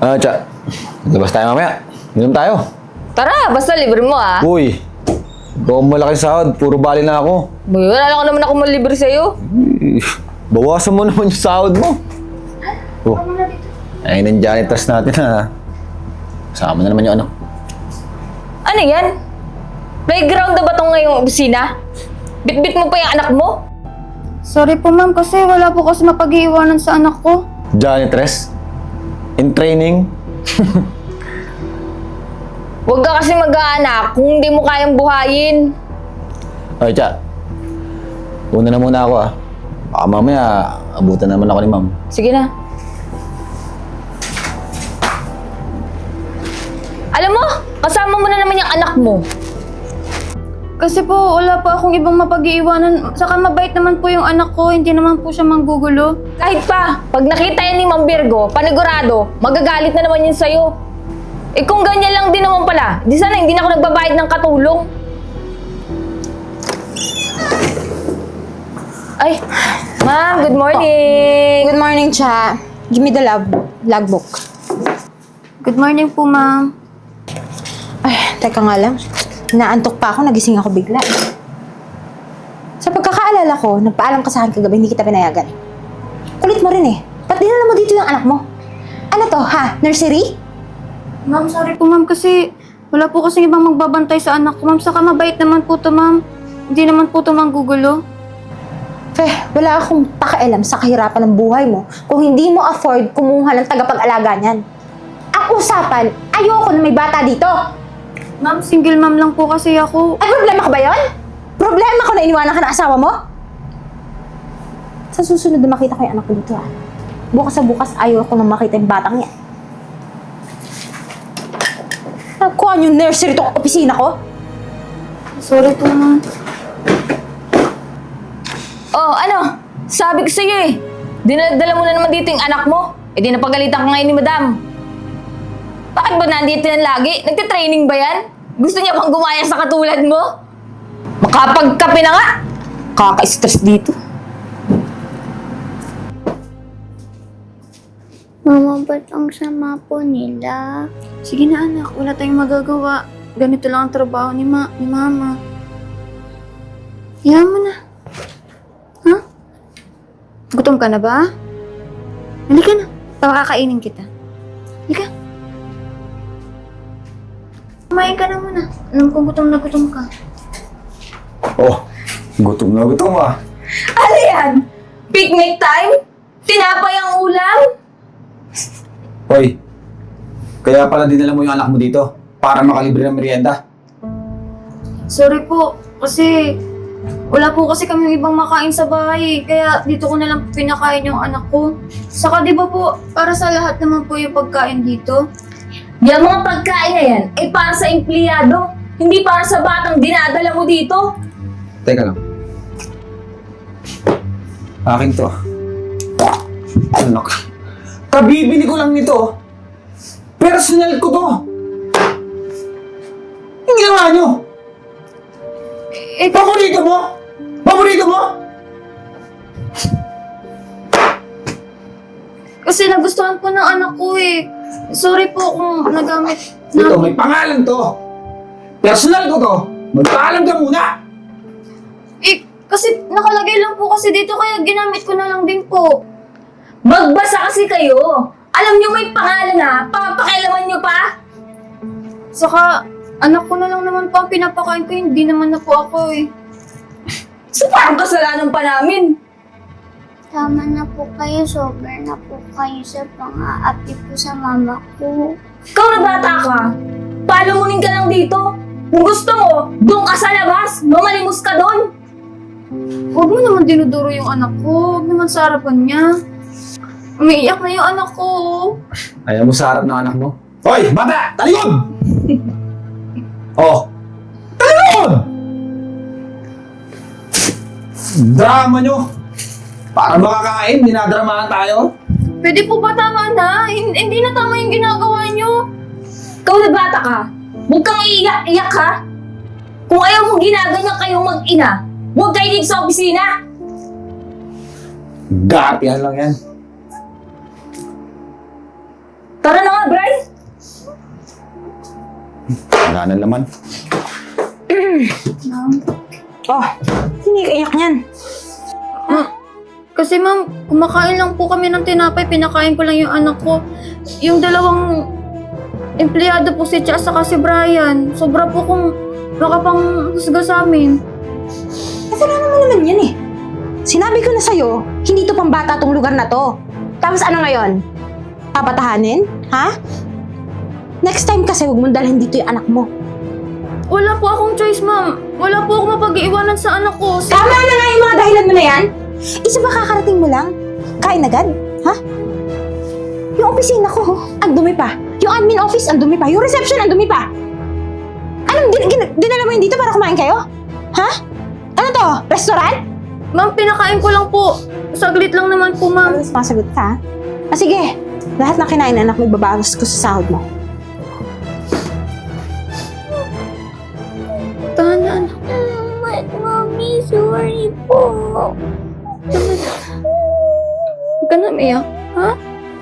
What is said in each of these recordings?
Tsa. Labas tayo mamaya. Inom tayo. Tara, basta libre mo ah. Uy. Ikaw ang malaki sahod. Puro bali na ako. Boy, wala ko naman ako malibre sa'yo. Bawasan mo naman yung sahod mo. Oh. Ay, ng janitors natin ha. Kasama na naman yung ano. Ano yan? Playground na ba itong ngayong opisina? Bit-bit mo pa yung anak mo? Sorry po ma'am kasi wala po kasi mapag-iiwanan sa anak ko. Janitress? In training? Huwag ka kasi mag-aanak kung hindi mo kayang buhayin. Ay, Tsa. Una na muna ako ah. Baka mamaya, abutan naman ako ni ma'am. Sige na. Alam mo, kasama mo na naman yung anak mo. Kasi po wala pa akong ibang mapag-iiwanan. Saka mabait naman po yung anak ko, hindi naman po siya manggugulo. Kahit pa, pag nakita yan ni Ma'am Virgo, panigurado, magagalit na naman yun sa'yo. Eh kung ganyan lang din naman pala, di sana hindi na ako nagbabayad ng katulong. Ay, Ma'am, good morning. Good morning, Cha. Give me the logbook. Good morning po ma'am. Ay, teka nga lang. Naantok pa ako, nagising ako bigla. Sa pagkakaalala ko, nagpaalam ka sa akin kagabi, hindi kita pinayagan. Kulit mo rin eh. Ba't dinala mo dito yung anak mo? Ano to, ha? Nursery? Ma'am, sorry po ma'am kasi wala po kasi ibang magbabantay sa anak ko ma'am. Saka mabait naman po to ma'am. Hindi naman po to manggugulo. Wala akong pakialam sa kahirapan ng buhay mo kung hindi mo afford kumuha ng tagapag-alaga niyan. Ang usapan, ayoko na may bata dito. Ma'am, single ma'am lang po kasi ako. Ay, problema ka ba yun? Problema ko na iniwanan ka ng asawa mo? Sa susunod na makita ko yung anak ko dito, ha? Bukas sa bukas, ayoko na makita yung batang yan. Nagkuhan yung nursery itong opisina ko? Sorry po ma'am. Oh, ano? Sabi ko sa'yo eh. Dinadala mo na naman dito yung anak mo. Eh di napagalitan ko ngayon ni Madam. Bakit ba nandito yan lagi? Nagtitraining ba yan? Gusto niya bang gumaya sa katulad mo? Makapagkape na nga! Kaka-stress dito. Mama, ba't ang sama po nila? Sige na anak, wala tayong magagawa. Ganito lang ang trabaho ni mama. Iyan mo na. Ha? Gutom ka na ba? Halika na. Pakakainin kita. Halika. Kumain ka na muna. Alam kong gutom na gutom ka. Oh, gutom na gutom ah. Ano yan? Picnic time? Tinapay ang ulam? Hoy, kaya pala dinala mo yung anak mo dito para makalibre ng merienda. Sorry po, kasi wala po kasi kami ibang makain sa bahay. Kaya dito ko na lang pinakain yung anak ko. Saka di ba po, para sa lahat naman po yung pagkain dito. Yung mga pagkain na yan ay para sa empleyado, hindi para sa batang dinadala mo dito. Teka lang. Akin to. Anak. Kabibili ko lang nito. Personal ko to. Yung ginawa nyo. Paborito mo? Paborito mo? Kasi nagustuhan po ng anak ko eh. Sorry po kung nagamit Ito, may pangalan to. Personal ko to. Magpaalam ka muna. Eh, kasi nakalagay lang po kasi dito kaya ginamit ko na lang din po. Magbasa kasi kayo. Alam niyo may pangalan na, papakialaman niyo pa. Saka, anak ko na lang naman po ang pinapakain ko, hindi naman na po ako eh. So parang kasalanan pa namin. Tama na po kayo, sobra na po kayo sa pang-aapi po sa mama ko. Ikaw na bata ka. Palamunin ka lang dito. Kung gusto mo, doon ka sa labas. Mamalimos ka doon. Huwag mo naman dinuduro yung anak ko, huwag naman sa harapan niya. Umiiyak na yung anak ko. Ayaw mo sa harap ng anak mo? Hoy, bata! Talikod! Oh! Talikod! Drama nyo! Para makakain, dinadramahan tayo. Pwede po ba tama na? Hindi na tama yung ginagawa niyo. Ikaw na bata ka. Huwag kang iiyak-iyak ha. Kung ayaw mong ginaganyan kayong mag-ina, huwag kayo dito sa opisina. Gapihan lang yan. Tara na nga, Brad. Wala na laman. Oh, hindi ka iyak niyan. Kasi ma'am, kumakain lang po kami ng tinapay, pinakain ko lang yung anak ko. Yung dalawang empleyado po si Cha saka si Brian, sobra po kung makapang husga sa amin. Kasalanan mo naman yan eh. Sinabi ko na sa'yo, hindi to pambata tong lugar na to. Tapos ano ngayon? Papatahanin? Ha? Next time kasi huwag mong dalhin dito yung anak mo. Wala po akong choice, ma'am. Wala po akong mapag-iiwanan sa anak ko. Tama na nga yung mga dahilan mo na yan. Isa ba kakarating mo lang? Kain agad? Ha? Yung opisina ko, ang dumi pa. Yung admin office, ang dumi pa. Yung reception, ang dumi pa. Anong dinala mo yun dito para kumain kayo? Ha? Ano to? Restaurant? Ma'am, pinakain ko lang po. Saglit lang naman po, ma'am. Masagot ka, ha? Ah, sige. Lahat ng kinain na anak mo, ibabawas ko sa sahod mo. Tahan na, anak. Mommy, sorry po. Huwag ka na umiyak, ha?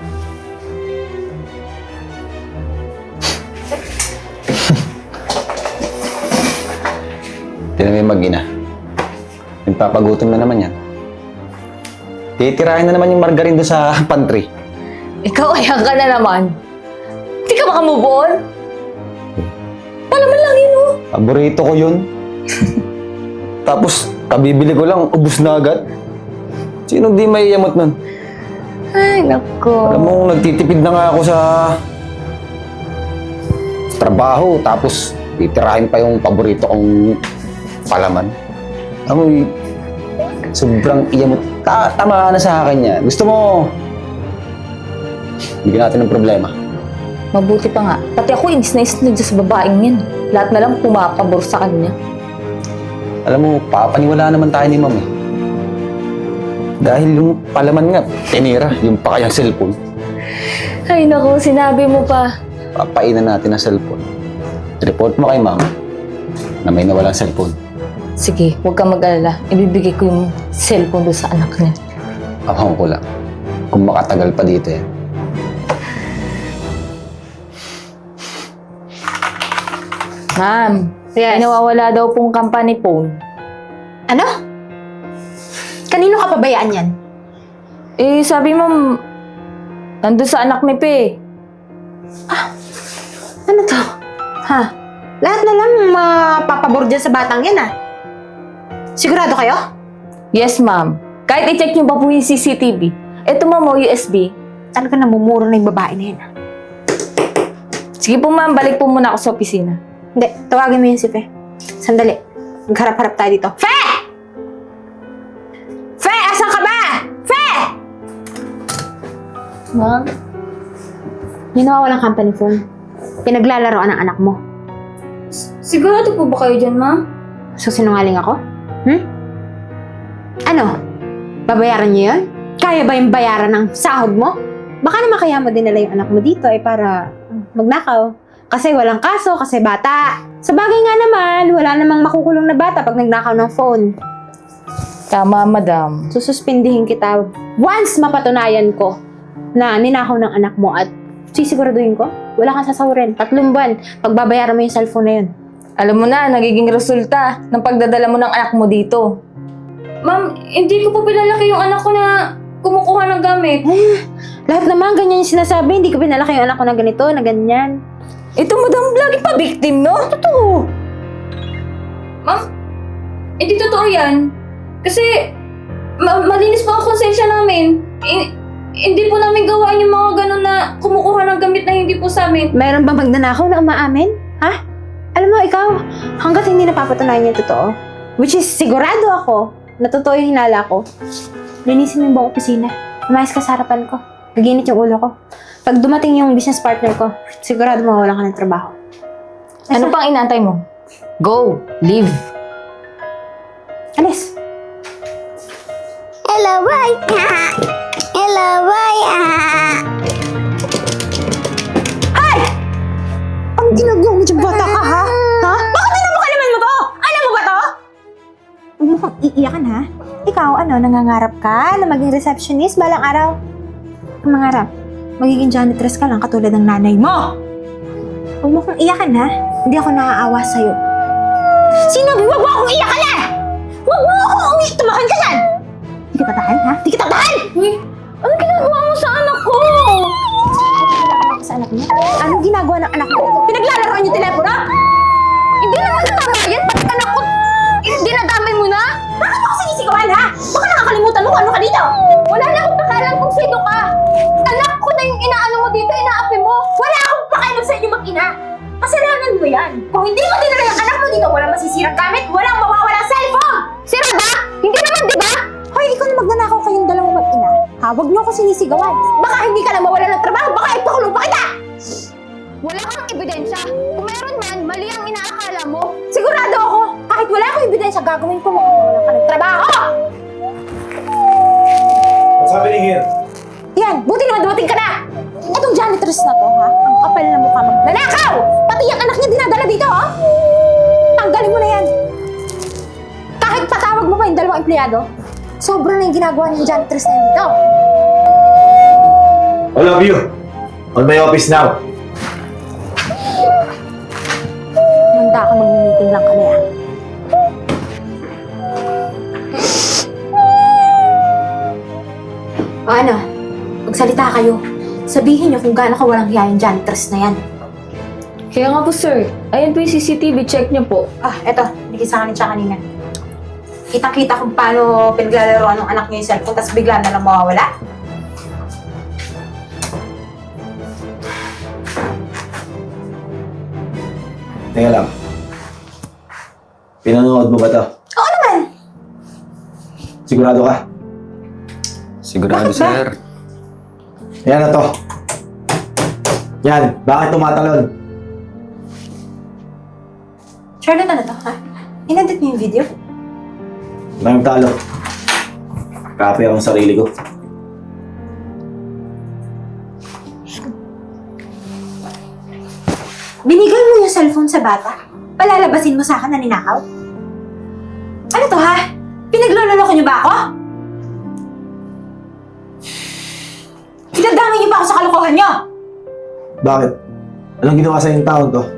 Tinan mo yung mag-ina. Nagpapagutom na naman yan. Titirahin na naman yung margarine doon sa pantry. Ikaw, ayan ka na naman. Hindi ka makamove on? Palaman lang yun, oh. Paborito ko yun. Tapos, kabibili ko lang, ubus na agad. Sinong di maiyamot nun? Ay, nako. Alam mo, nagtitipid na nga ako sa trabaho, tapos titirahin pa yung paborito kong palaman. Amoy, sobrang iyamot. Tama na sa akin yan. Gusto mo, bigyan natin ng problema. Mabuti pa nga. Pati ako, inis na inis sa babaeng yan. Lahat na lang pumapabor sa kanya. Alam mo, papaniwala naman tayo ni Ma'am eh. Dahil yung palaman nga, tinira yung pa kayang cellphone. Ay, nako, sinabi mo pa. Papainan natin ang cellphone. Report mo kay Ma'am na may nawalang cellphone. Sige, huwag kang mag-alala. Ibibigay ko yung cellphone doon sa anak niya. Abang ko lang. Kung makatagal pa dito eh. Ma'am, Yes. ay nawawala daw pong company phone. Ano? Kanino ka pabayaan yan? Eh, sabi mo, nandun sa anak ni Pe. Ano to? Ha? Lahat na lang mapapabor dyan sa batang yan, ah. Sigurado kayo? Yes, ma'am. Kahit i-check niyo pa po yung CCTV. Ito, ma'am, USB. Talaga namumuro na yung babae na yan, ah. Sige po, ma'am. Balik po muna ako sa opisina. Hindi, tawagin mo yun si Fe. Sandali. Magharap-harap tayo dito. Fe! Fe, asan ka ba? Fe! Ma'am? Yung nawawalang company phone. Pinaglalaroan ng anak mo. Sigurado po ba kayo dyan, ma'am? So, sinungaling ako? Ano? Babayaran niyo yun? Kaya ba yung bayaran ng sahod mo? Baka naman kaya mo dinala yung anak mo dito para magnakaw. Kasi walang kaso, kasi bata. Sa bagay nga naman, wala namang makukulong na bata pag nagnakaw ng phone. Tama, madam. Sususpindihin kita once mapatunayan ko na ninakaw ng anak mo at sisiguraduhin ko, wala kang sasahurin. 3 buwan, pagbabayaran mo yung cellphone na yun. Alam mo na, nagiging resulta ng pagdadala mo ng anak mo dito. Ma'am, hindi ko po pinalaki yung anak ko na kumukuha ng gamit. Lahat naman, ganyan yung sinasabi. Hindi ko pinalaki yung anak ko na ganito, na ganyan. Ito, madam, lagi pa victim, no? Totoo. Ma'am, hindi totoo yan. Kasi, malinis po ang konsensya namin. Hindi po namin gawain yung mga ganun na kumukuha ng gamit na hindi po sa amin. Mayroon bang magnanakaw na umaamin? Ha? Alam mo, ikaw, hanggat hindi napapatunayan niya totoo, which is sigurado ako na totoo yung hinala ko, linisin mo yung buong opisina. Umayos ka sa harapan ko. Gaginit yung ulo ko. Pag dumating yung business partner ko, sigurado mawalan ka ng trabaho. Ano pang inaantay mo? Go! Leave! Alis! Hello, bye! Hello, bye! Ang ginagawa mo dyan, bata ka, ha? Ha? Bakit pinapakalaman mo to? Alam mo ba to? Huwag mo kang iiyakan, ha? Ikaw, nangangarap ka na maging receptionist balang araw? Ang mangarap, magiging janitress ka lang katulad ng nanay mo! Huwag mo akong iyakan, ha? Hindi ako naaawa sa'yo. Sinabi, huwag mo akong iyakan, ha? Huwag mo akong tumakan ka dyan! Di kita tahan, ha? Di kita tahan! Uy, ano ginagawa mo sa anak ko? Sa anak niya? Anong ginagawa ng anak ko? Pinaglalaroan yung telepono? Hindi naman tama yan. Bakit anak ko? Dinadamay mo na? Bakit mo ako sinisigawan, ha? Baka nakakalimutan mo kung ano ka dito? Wala na akong pakalam kung sino ka. Anak ko na yung inaano mo dito, inaapi mo. Wala akong pakialam sa inyo mag-ina. Kasalanan mo yan. Kung hindi mo dinala yung anak mo dito, walang masisirang gamit, walang mawawala cellphone! Sira ba? Hindi naman, di ba? Hoy, ikaw na magnanakaw kayong dalawang mag-ina. Ha, huwag niyo ako sinisigawan. Baka hindi ka na mawala ng trabaho, baka ipakulong pa kita! Wala kang ebidensya. Kung meron man, mali ang inaakala mo. Sigurado ako, kahit wala akong ebidensya, gagawin ko makukulang ka ng trabaho! What's happening here? Yan, buti naman dumating ka na! Itong janitress na to, ha? Ang kapal na mukha magnanakaw! Pati yung anak niya dinadala dito, ha? Tanggalin mo na yan! Kahit patawag mo pa yung dalawang empleyado, sobra na yung ginagawa ng janitress na yan dito. All of you, on my office now. Manda ka mag-meeting lang kami, ha? O ano? Magsalita kayo. Sabihin niyo kung gaano ka walang hiya yung janitress na yan. Kaya nga po, sir. Ayan po yung CCTV. Check niyo po. Ah, eto. Bigay sa akin siya kanina. Kitang-kita kung paano pinaglalaroan ng anak niya yung cellphone tapos bigla na lang mawawala. Teka lang. Pinanood mo ba to? Oo naman! Sigurado ka? Sigurado, Bakit ba? sir. Yan na to. Yan, bakit tumatalon? Charlotte, ano to, ha? Inedit niyo yung video? Maraming talo. Copy akong sarili ko. Binigay mo yung cellphone sa bata? Palalabasin mo sa akin na ninakaw? Ano to, ha? Pinaglololoko niyo ba ako? Pinagdamay niyo ba ako sa kalokohan niyo? Bakit? Anong ginawa sa yung taon to?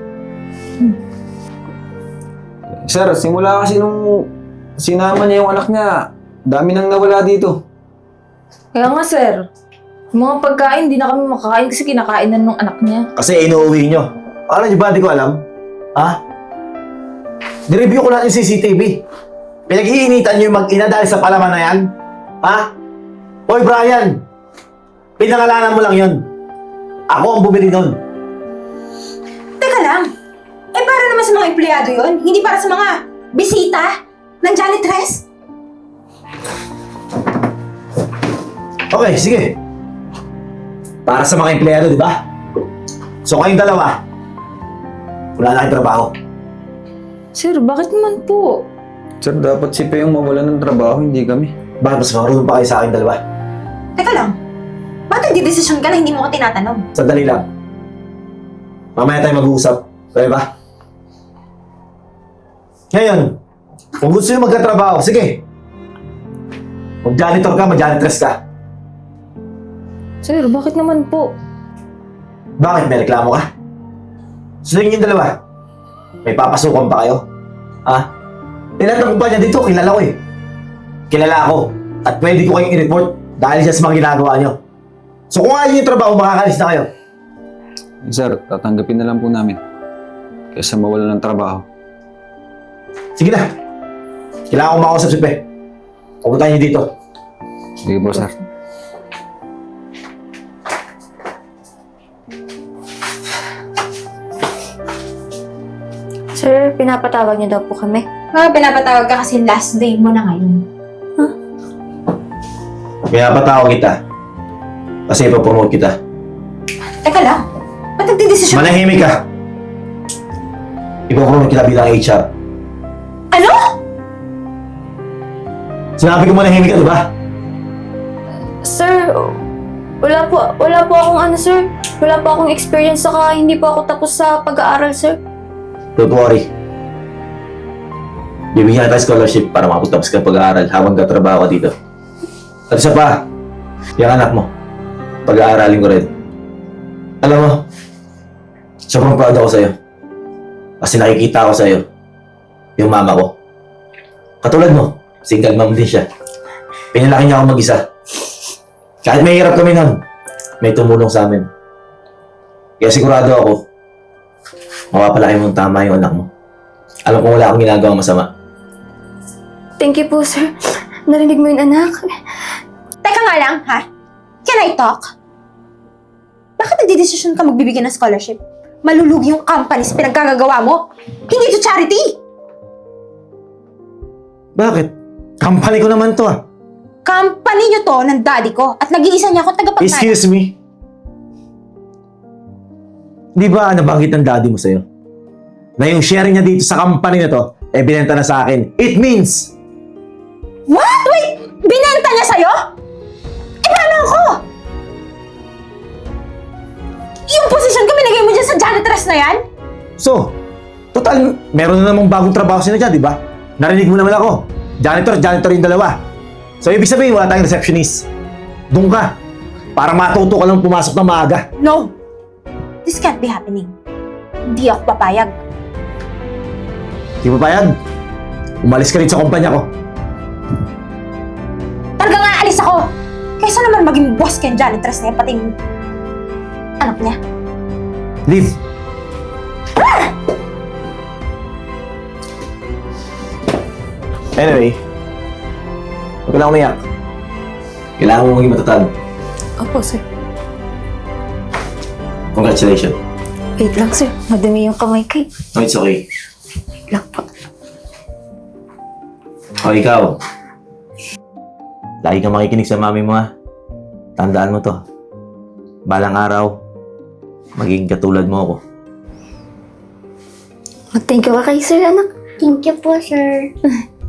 Sir, simula kasi nung sinama niya yung anak niya, dami nang nawala dito. Kaya nga, sir. Yung mga pagkain, di na kami makakain kasi kinakainan ng anak niya. Kasi inuuwi nyo. Alam nyo ba, di ko alam? Ha? Nireview ko lang yung CCTV. Pinag-iinitan nyo yung mag-ina dahil sa palaman na yan? Ha? Hoy, Brian! Pinangalanan mo lang yun. Ako ang bumili nun. Teka lang. Eh, para naman sa mga empleyado yon, hindi para sa mga bisita ng janitress? Okay, sige. Para sa mga empleyado, di ba? So kayong dalawa, wala na kayong trabaho. Sir, bakit naman po? Sir, dapat si Pe yung mawala ng trabaho, hindi kami. Bakit mas marunong pa kayo sa akin dalawa? Teka lang. Ba't nagdidesisyon ka na hindi mo ko tinatanong? Sandali lang. Mamaya tayo mag-uusap. Pwede ba? Ngayon, kung gusto nyo magkatrabaho, sige. Mag-janitor ka, mag-janitress ka. Sir, bakit naman po? Bakit? May reklamo ka? So yung dalawa, may papasukan pa kayo? Ha? Lahat ng kumpanya dito, kilala ko eh. Kilala ako. At pwede ko kayong i-report dahil siya sa mga ginagawa nyo. So kung ayaw yung trabaho, makakalis na kayo. Sir, tatanggapin na lang po namin. Kaysa mawala ng trabaho. Sige na. Kailangan ko makausap si Pe. Pupuntahan niyo dito. Sige po, sir. Sir, pinapatawag niyo daw po kami. Pinapatawag ka kasi last day mo na ngayon. Kaya patawag kita. Kasi ipapromote kita. Teka lang. Ba't nagdidesisyon? Manahimik ka. Ipapromote kita bilang HR. Ano? Sinabi ko manahimik ka, di ba? Sir, wala po akong ano, sir. Wala po akong experience, saka hindi po ako tapos sa pag-aaral, sir. Don't worry. Bibigyan kita scholarship para makapagtapos ka ng pag-aaral habang katrabaho ka dito. At isa pa, yung anak mo, pag-aaralin ko rin. Alam mo, Sobrang proud ako sa'yo. Kasi nakikita ko sa'yo yung mama ko. Katulad mo, single mom din siya. Pinalaki niya ako mag-isa. Kahit may hirap kami nun, may tumulong sa amin. Kaya sigurado ako, mapapalaki mong tama yung anak mo. Alam kong wala akong ginagawang masama. Thank you po, sir. Narinig mo yun, anak. Teka nga lang, ha? Can I talk? Bakit nagdidesisyon ka magbibigay ng scholarship? Malulugi yung company sa pinagkagagawa mo. Hindi to charity! Bakit? Company ko naman to ah. Company nyo to ng daddy ko at nag-iisa niya akong tagapagmana. Excuse me? Di ba nabanggit ng daddy mo sa'yo? Na yung share niya dito sa company na to, eh binenta na sa akin. It means, What? Wait! Binenta niya sa'yo? Eh, paano ako? Yung posisyon ko binigay mo dyan sa janitress na yan? so, total, meron na namang bagong trabaho sila dyan, di ba? Narinig mo naman ako. Janitor yung dalawa. So, ibig sabihin, wala tayong receptionist. Doon ka. Para matuto ka lang pumasok na maaga. No! This can't be happening. Hindi ako papayag. Di ba payag? Umalis ka rin sa kumpanya ko. Talaga nga alis ako! Kaysa naman maging boss kay janitress na yan, pati yung anak niya. Leave. Anyway, huwag ka lang umiyak. Kailangan mo maging matatag. Opo, sir. Congratulations. Wait lang, sir. Madumi yung kamay ko. No, it's okay. Wait lang po. O, ikaw. Lagi kang makikinig sa mami mo, ha? Tandaan mo to. Balang araw, magiging katulad mo ako. Mag-thank you ka kay sir, anak. Thank you po, sir.